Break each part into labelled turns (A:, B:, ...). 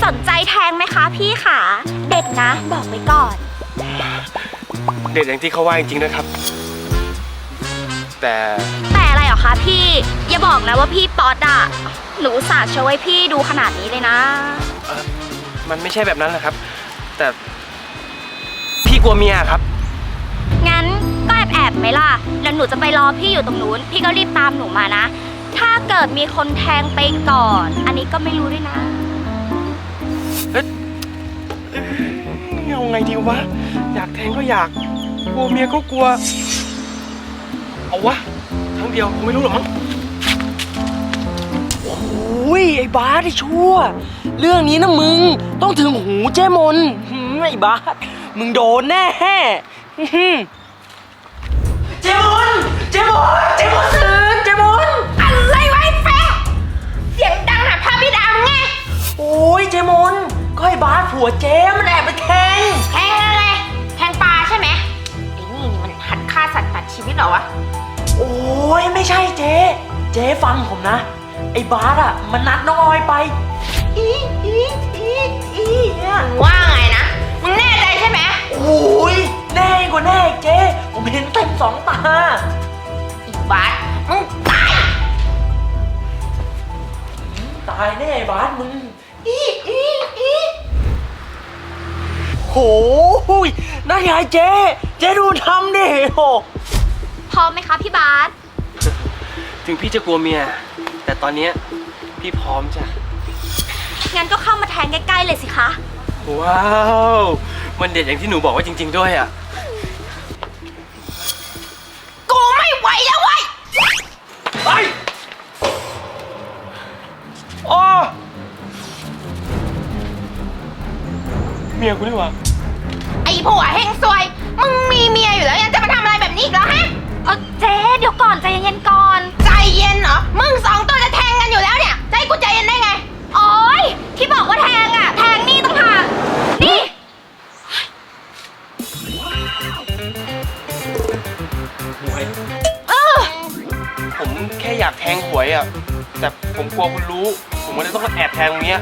A: สนใจแทงไหมคะพี่ขาเด็ดนะบอกไว้ก่อน
B: เด็ดอย่างที่เขาว่าจริงๆนะครับแต่
A: อะไรเหรอคะพี่อย่าบอกนะว่าพี่ป๊อตอะหนูอุตส่าห์ช่วยพี่ดูขนาดนี้เลยนะ
B: มันไม่ใช่แบบนั้นแหละครับแต่พี่กลัวเมียครับ
A: งั้นก็แอบไหมล่ะแล้วหนูจะไปรอพี่อยู่ตรงนู้นพี่ก็รีบตามหนูมานะถ้าเกิดมีคนแทงไปก่อนอันนี้ก็ไม่รู้ด้วยนะ
B: เอาไงดีวะอยากแทงก็อยากกลัวเมียก็กลัวเอาวะครั้งเดียวคงไม่รู้หรอกมั้ง
C: โอ้ยไอ้บาสไอ้ชั่วเรื่องนี้นะมึงต้องถึงหูเจ้มนไอ้บาสมึงโดนแน่เจมนตื่นเจมน
A: อะไรไว้แฟงเสียงดังหาพาพี่ดาวไง
C: โอ้ยเจมนก็ไอ้บาสผัวเจ๊มันแอบไปแทง
A: อะไรแทงปลาใช่ไหมไอ้นี่มันหัดฆ่าสัตว์ตัดชีวิตเหรอวะ
C: โอ้ยไม่ใช่เจ๊ฟังผมนะไอ้บาสอ่ะมันนัดน้องออยไป
A: เนี่ยว่าไงนะมึงแน่ใจใช่ไหม
C: โอ้ยแน่กว่าแน่เจ๊ผมเห็นเต็มสองตา
A: อีบาสมึงตาย
C: แน่บาสมึงโหยนั่นไงเจ๊ดูทำดิโห
A: พร้อมไหมคะพี่บาส
B: ถึงพี่จะกลัวเมียแต่ตอนนี้พี่พร้อมจ้ะ
A: งั้นก็เข้ามาแทงใกล้ๆเลยสิคะ
B: ว้าวมันเด็ดอย่างที่หนูบอกว่าจริงๆด้วยอ่ะ
A: กูไม่ไหวแล้วเว้ย
B: ไปอ๋อเมียกูนี่หว่า
A: ไอ้ผัวเฮงซวยมึงมีเมียอยู่แล้วยังจะมาทำอะไรแบบนี้อีกเหรอฮะเจ๊เดี๋ยวก่อนใจเย็นๆก่อนใจเย็นเหรอมึงสองตัวจะแทงกันอยู่แล้วเนี่ยใจกูใจเย็นได้ไงโอ๊ยที่บอกว่าแทงอ่ะแทงนี่ต่างหากนี่
B: หวยผมแค่อยากแทงหวยอ่ะแต่ผมกลัวคุณรู้ผมก็เลยต้องแอบแทงตรงนี้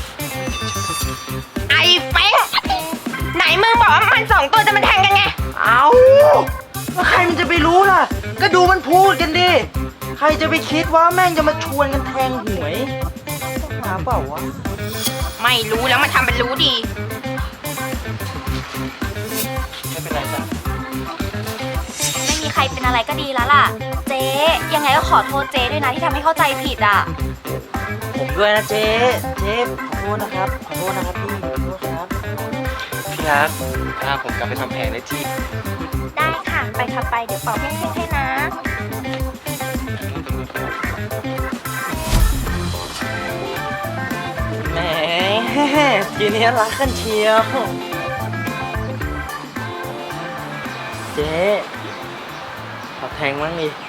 A: ไอ้เฟ้งไหนมึงบอกว่ามันสองตัวจะมาแทงกันไง
C: เอาแล้วใครมันจะไปรู้ล่ะก็ดูมันพูดกันดิใครจะไปคิดว่าแม่งจะมาชวนกันแทงหวยหาเปล่าวะ
A: ไม่รู้แล้วมันทำเป็นรู้ดี
B: ไม่เป็นไรจ้ะ
A: ไม่มีใครเป็นอะไรก็ดีแล้วล่ะเจ๊ยังไงก็ขอโทษเจ๊ด้วยนะที่ทำให้เข้าใจผิดอ่ะ
C: ผมด้วยนะเจ๊ขอโทษนะครับพี่ขอโทษครับ
B: พี่รักพาผมกลับไปทำแผลได้ที่
A: ได้ค่ะไปค่ะไปเดี๋ยวเป่าเพ่งๆให้นะ
C: แหมทีนี้รักกันเชียวเจ๊ขอแทงมั้งดิ